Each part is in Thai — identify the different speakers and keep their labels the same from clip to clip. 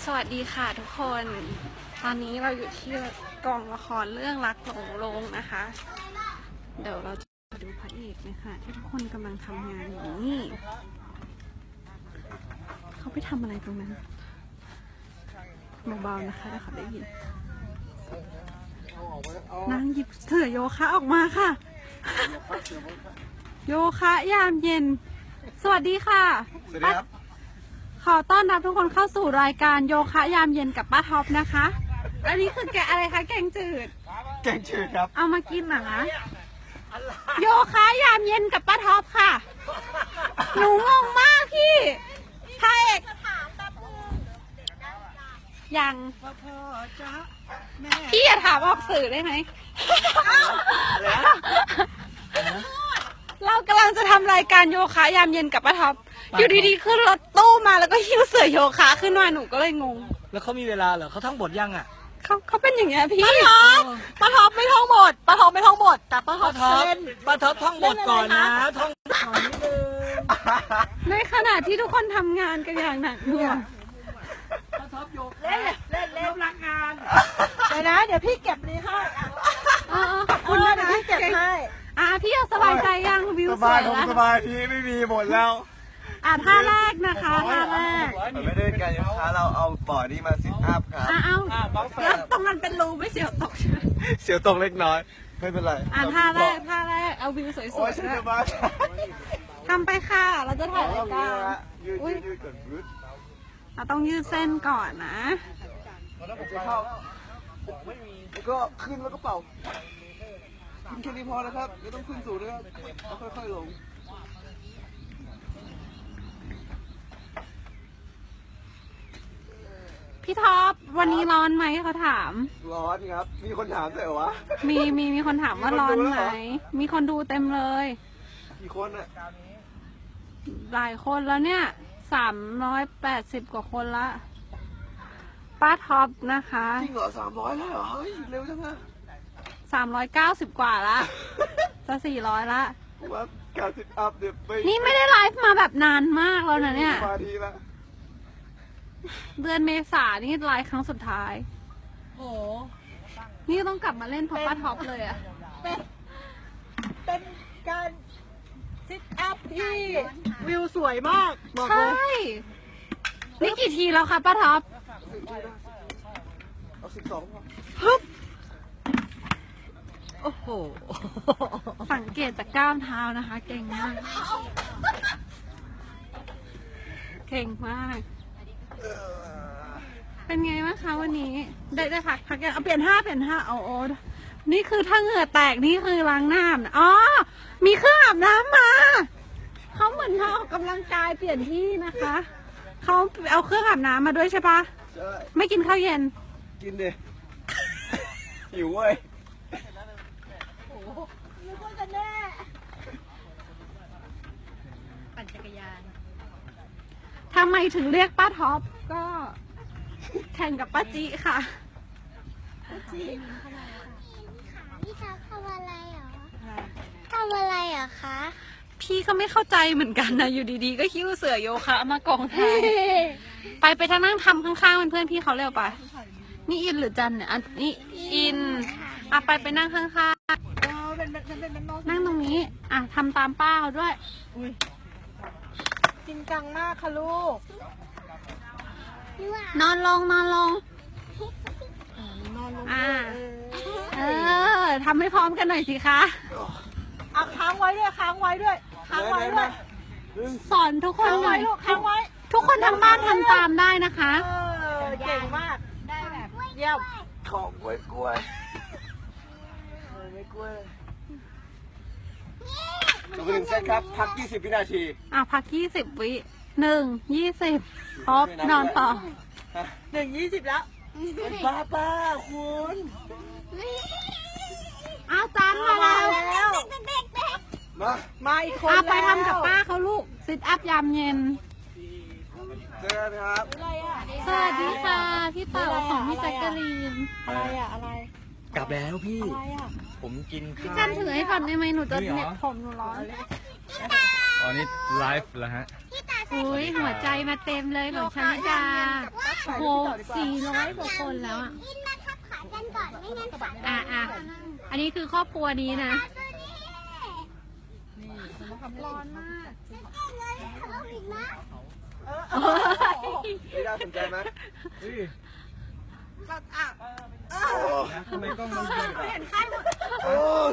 Speaker 1: สวัสดีค่ะทุกคน ตอนนี้เราอยู่ที่กองละครเรื่องรักหลงโลงนะคะ เดี๋ยวเราจะดูพระเอกนะคะที่ทุกคนกำลังทำงานอยู่นี่เขาไปทำอะไรตรงนั้นเบาๆนะคะเดี๋ยวเขาได้ยินนางหยิบเสื่อโยคะออกมาค่ะ โยคะยามเย็นสวัสดีค่ะ
Speaker 2: สวัสดีครับ
Speaker 1: ขอต้อนรับทุกคนเข้าสู่รายการโยคะยามเย็นกับป้าท็อปนะคะ อันนี้คือแกอะไรคะแกงจืด
Speaker 2: แกงจืดครับ
Speaker 1: เอามากินเหรอคะโยคะยามเย็นกับป้าท็อปค่ะ หนูงงมากพี่พระเอกยังพี่อย่าถามออกสื่อได้ไหม เรากำลังจะทำรายการโยคะยามเย็นกับป้าท็อปอยู่ดีๆขึ้นรถตู้มาแล้วก็หิ้วเสื่อโยคะขึ้นมาหนูก็เลยงง
Speaker 2: แล้วเขามีเวลาเหรอเขาท่องบทยังอ่ะ
Speaker 1: เขาเป็นอย่างเงี้ยพี่
Speaker 3: ป้าท็อปไม่ท่องบทป้าท็อปไม่ท่องบทแต่ป้าท็อปเล่น
Speaker 2: ป้าท็อปท่องบทก่อนนะท่องก่อนนิดนึง
Speaker 1: ในขณะที่ทุกคนทำงานกันอย่างหนักหน่วง
Speaker 2: ป้าท็อปโยก
Speaker 3: เล่นรักงานเดี๋ยวนะเดี๋ยวพี่เก็บนี้ให้
Speaker 1: ขอบคุณนะ
Speaker 3: เดี๋ยวพี่เก็บให้
Speaker 1: พี่สบายใจยังวิว
Speaker 2: ส
Speaker 1: ส
Speaker 2: บา
Speaker 1: วย ย
Speaker 2: ผม
Speaker 1: แล้ว
Speaker 2: สบายทีไม่มีหมดแล้ว
Speaker 1: ท่าแรกนะคะท่าแรก
Speaker 4: ไม่ได้การโยคะเราเอาบอร์ดนี่มาซิทอัพครับ
Speaker 1: เอาแล้วตรงนั้นเป็นรูไม่เสียวตกใช่ไหม
Speaker 2: เสียวตกเล็กน้อย
Speaker 4: ไม่เป็นไร
Speaker 1: ท่าแรกเอาวิวสวย
Speaker 4: โอ้ย
Speaker 1: ๆ
Speaker 4: ฉัน
Speaker 1: ด้วย
Speaker 4: จะมา
Speaker 1: ทำไปค่ะเราจะถ่ายรายการ
Speaker 4: ยืดก่อนยืด
Speaker 1: เราต้องยืดเส้นก่อนนะ
Speaker 4: จะเข้าแล้วก็ขึ้นแล้วก็เป่าขึ้นแค่นี้พอนะครับไม่ต้องขึ้นสูงนะครับแล้วค่อยๆลง
Speaker 1: พี่ท็อปวันนี้ร้อนไหมเขาถาม
Speaker 4: ร้อนครับมีคนถามด้วยเหรอวะ
Speaker 1: มีคนถามว่าร้อนไหมมีคนดูเต็มเลย
Speaker 4: กี่คนอ่ะ
Speaker 1: หลายคนแล้วเนี่ย380 กว่าคนละป้าท็อปนะคะ
Speaker 4: จริงเหรอ300แล้วเหรอเฮ้ยเร็วจังอะ
Speaker 1: 390 กว่าละจะ400ละ
Speaker 4: ผมว่าการซิทอัพเนี่ยไม่
Speaker 1: นี่ไม่ได้ไลฟ์มาแบบนานมากแล้วนะเนี่ย
Speaker 4: สมาธิละ
Speaker 1: เดือนเมษานี่ไลฟ์ครั้งสุดท้าย
Speaker 3: โอ้
Speaker 1: นี่ต้องกลับมาเล่นเพราะป้าท็อปเลยอะ
Speaker 3: เป็นการซิทอัพที่วิวสวยมากบอกเล
Speaker 1: ใช่
Speaker 3: ย
Speaker 1: นี่กี่ทีแล้วคะป้าท็อป
Speaker 4: เอา12พอ
Speaker 3: ฮึบโอ้โห
Speaker 1: สังเกตจากก้ามเท้านะคะ เก่งมาก เก่งมาก เป็นไงบ้างคะวันนี้ ได้พักยังเอาเปลี่ยนท่าโอ้นี่คือถ้าเหงื่อแตกนี่คือล้างหน้านะอ๋อ มีเครื่องอาบน้ำมา เขาเหมือนเขาออกกำลังกายเปลี่ยนที่นะคะ เขาเอาเครื่องอาบน้ำมาด้วยใช่ปะ
Speaker 4: ใช่
Speaker 1: ไม่กินข้าวเย็น
Speaker 4: กินดิ หิวเว้ย
Speaker 3: นึกว่าจะแน่ ปั่นจักรยาน
Speaker 1: ทำไมถึงเรียกป้าท็อปก็แข่งกับป้าจิค่ะ
Speaker 5: พี่ท็อปทำอะไรเหรอทำอะไรเหรอคะ
Speaker 1: พี่ก็ไม่เข้าใจเหมือนกันนะอยู่ดีๆ ก็คิ้วเสือโยคะมากองแทนไปทางนั่งทำข้างๆเป็นเพื่อนพี่เขาเร็วไปนี่อินหรือจันเนี่ยอันนี้อินไปนั่งข้าง
Speaker 3: เป็นน้อง
Speaker 1: ๆนั่งตรงนี้ทำตามป้าเขาด้วย
Speaker 3: จริงจังมากค่ะลูก
Speaker 1: นอนลง
Speaker 3: นอนลง
Speaker 1: ทำให้พร้อมกันหน่อยสิคะ
Speaker 3: เอาค้างไว้ด้วยค้างไว้ด้วยค้างไว้ด้วย
Speaker 1: สอนทุกคน
Speaker 3: ค้าง
Speaker 1: หน่
Speaker 3: ไว้
Speaker 1: อย
Speaker 3: ลูกค้างไว้
Speaker 1: ทุกคนทางบ้านทำตามได้นะคะ
Speaker 3: เก่งมากได้แบบเยี่ยม
Speaker 4: ของกล้วยกล้วยไม่กล้วยจบไป1 เซตครับ พัก 20 วินาที
Speaker 1: พัก20 วิ20ครบนอนต่อ
Speaker 3: 20แล้ว
Speaker 4: ป้าคุณ
Speaker 1: จานมาแล้ว
Speaker 4: มา
Speaker 3: มาอีกคน
Speaker 1: ไปทำกับป้าเขาลูกซิทอัพยามเย็น
Speaker 4: เจอกันครับ
Speaker 3: อะไรอ่ะ
Speaker 1: สวัสดีค่ะ พี่เต่าของพี่แจ็คกะลีน
Speaker 3: อะไรอ่ะอะไร
Speaker 2: กลับแล้วพี่
Speaker 3: อะไรอ่ะ
Speaker 2: ผมกินข้าว
Speaker 1: จันถือให้ก่อนได้ไหมหนูจะ
Speaker 2: นี่เหรอ
Speaker 1: เน็ตผมหนูร้อน
Speaker 2: อ๋อนี่ไลฟ์แล้วฮะ
Speaker 1: อุ้ยหัวใจมาเต็มเลยของชาลิดาโห400 กว่าคนแล้วอ่ะ
Speaker 5: อินมาทับขากันก่อนไม่งั้นขา
Speaker 1: อ่ะอันนี้คือครอบครัวนี้นะ
Speaker 3: ร้อนมาก
Speaker 5: เลยเขาอีกนะ
Speaker 4: ไม่ได้สนใจไหม
Speaker 3: เราอ่ะ
Speaker 2: ทำไมกล้องมันดี
Speaker 3: เห็นไข้หมด
Speaker 4: โอ้ย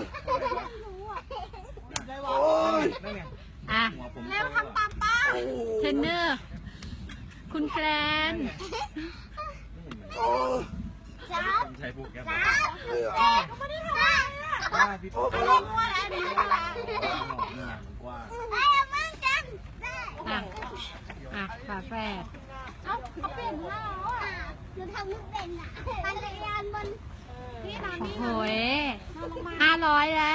Speaker 4: โอ้ย
Speaker 2: นั่นไง
Speaker 1: อ่ะ
Speaker 2: หัวผม
Speaker 3: แล้วทำตามป้า
Speaker 1: เทรนเนอร์ คุณแกรน
Speaker 4: โอ้ย
Speaker 5: จ้า
Speaker 2: ผมใช้ปุ๊กแก๊ป
Speaker 5: จ้าไม่ได้ทำอะไรอ่ะ
Speaker 2: ว่าพี่
Speaker 4: โอ้
Speaker 2: ปุ๊ก
Speaker 4: ย
Speaker 3: มัวแล้วนี่มัวแล้ว
Speaker 2: นี่มันกว้าง
Speaker 5: ไอ้มึงกัน
Speaker 1: ฝาแฝด
Speaker 5: เอ้าเขาเปลี่ยนหน้าแล้วอ่ะหนูทำไม่เป็นอ่ะปั่นจักรยานบนที่นอน
Speaker 1: โอ้
Speaker 5: นี่
Speaker 1: โห500 แล้ว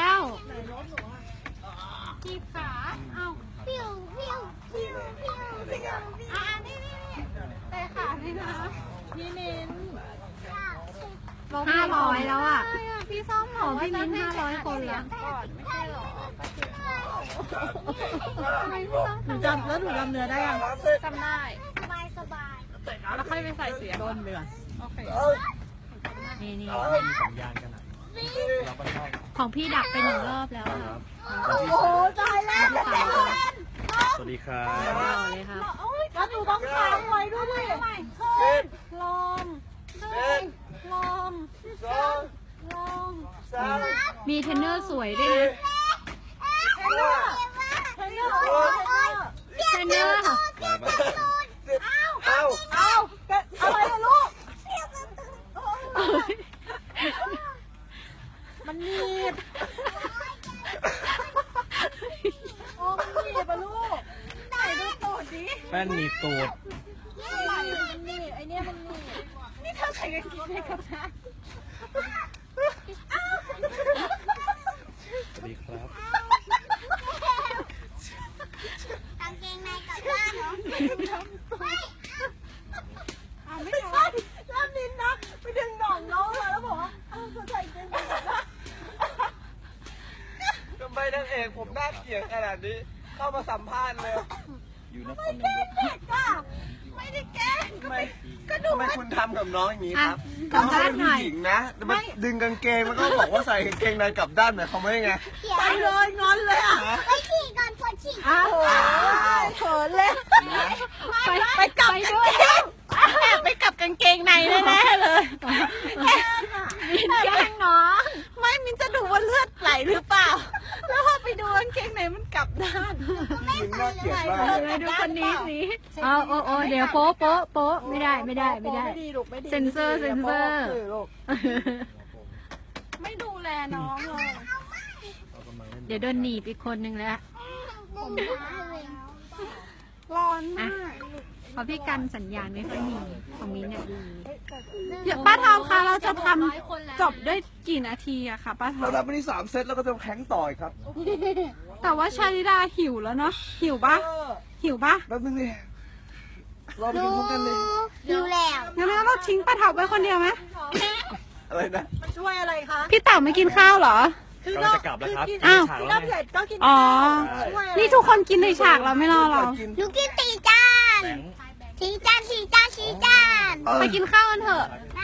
Speaker 3: จีบขาเอ้า
Speaker 5: พิวพิวพิวพิวพิว
Speaker 3: อ่ะนี่แต่ขานี่นะนี่นิน
Speaker 1: 500 แล้วอ่ะ
Speaker 3: พี่ส้ม
Speaker 1: ของพี่มิ้น500 คนแล้ว
Speaker 3: ก่อนไม่ใช่หรอทำไมพี่ส้มหนูจำแล้วหนูจำเนื้อได้ยังจำได้
Speaker 5: สบายสบาย
Speaker 3: แล้วค่อยไปใส่เสียงโดนเดือนโอเค
Speaker 1: นี่
Speaker 2: มีสัญญาณกันอ่ะเราไปชอบ
Speaker 1: ของพี่ดักไป1 รอบแล้วอะ
Speaker 5: โอ้โหตายแล้ว
Speaker 2: สวัสดีครับ
Speaker 1: ต่อเลยครับ
Speaker 3: แล้วหนูต้องค้างไว้ด้วยดิขึ้นลมลม
Speaker 4: สอง
Speaker 3: ลม
Speaker 4: สาม
Speaker 1: มีเทรนเนอร์สวยด้วยนะ
Speaker 4: ห้า
Speaker 3: เทรนเนอร์
Speaker 1: เทรนเนอร์
Speaker 4: เอ้า
Speaker 3: เอาอะไรอะลูก มันหนีบโอ้มันหนีบอะลูกไหนดูตูดดิ
Speaker 2: แป้นหนีบตูด
Speaker 3: ไหนมันหนีบไอเนี้ยมันหนีบนี่เธอใส่กางเกงในกับน้า
Speaker 2: สวัสดีครับ
Speaker 5: กางเกงในกับบ้านเหรอ
Speaker 3: ไม่ใช่แล้วนินนะไปดึงหน่องน้องเลยแล้วบอกว่าเธอใส่กางเกงในกับบ้าน
Speaker 4: ทำไมนางเอกผมน่าเกลียดขนาดนี้ เข้ามาสัมภาษณ์เลย
Speaker 2: อยู่นครนายก
Speaker 3: เด็กอะไม่ได้แกล้ง
Speaker 4: ทำไมคุณทำกับน้องอย่างนี้ครับ
Speaker 1: อ่ะ
Speaker 4: น้องเป็นผู้หญิงนะมาดึงกางเกงมันก็บอกว่าใส่กางเกงในกลับด้านหมายความว่ายังไง
Speaker 3: ไปเลยงอนเลยอ่ะ
Speaker 5: ไปฉี่ก่อนปวดฉี่
Speaker 3: อ้าวเขินเลย
Speaker 1: ไปกลับด้วย
Speaker 3: แอบไปกับกางเกงในแน่ๆเลย
Speaker 1: มินแกล้งน้อง
Speaker 3: ไม่มินจะดูว่าเลือดไหลหรือเปล่า แล้วพอไปดูกางเกงในมันกลับด้าน
Speaker 4: ผู้หญิงน่าเกลียดมาก
Speaker 1: ไปดูคนนี้สิโอ้เดี๋ยวโป๊ะไม่ได้
Speaker 3: ไม่ดีลูกไม่ดี
Speaker 1: เซ็นเซอร์
Speaker 3: ลูกไม่ดูแลน้องเลย
Speaker 1: เดี๋ยวโดนหนีบอีกคนนึงแล้ว
Speaker 3: ร้อนมาก
Speaker 1: เพราะพี่กันสัญญาณไม่ค่อยมีของมิ้นเนี่ยดี
Speaker 3: เดี๋ยวป้าทอมคะเราจะทำจบด้วยกี่นาทีอะคะป้าทอ
Speaker 4: เรา
Speaker 3: ม
Speaker 4: รับไปที่3 เซตแล้วก็จะแข่งต่ออีกครับ
Speaker 3: แต่ว่าชาลิดาหิวแล้วเนาะหิวปะหิวปะ
Speaker 4: แป๊บนึงดิรอไปกินพร้อมกันเลย
Speaker 5: ดูแล้ว
Speaker 3: งั้นเราทิ้งป้าเถาไว้คนเดียวไหม
Speaker 4: อะไรนะ
Speaker 3: ช่วยอะไรคะ
Speaker 1: พี่เต่าไม่กินข้าวเหรอ
Speaker 2: กำลังจะกลับแล้วครับ
Speaker 1: อ้าว
Speaker 2: ฉาก
Speaker 3: กิน
Speaker 2: แล้ว
Speaker 3: น้ำ
Speaker 2: ไง
Speaker 3: เสร็จก็กิน
Speaker 1: อ๋อ
Speaker 3: ช่วยอะไร
Speaker 1: นี่ทุกคนกินในฉากเราไม่รอเรา
Speaker 4: กิน
Speaker 5: หนูกิน4 จาน
Speaker 2: แบงค์
Speaker 5: 4 จาน4 จาน4 จาน
Speaker 1: ไปกินข้าวกันเถอะ
Speaker 2: ไ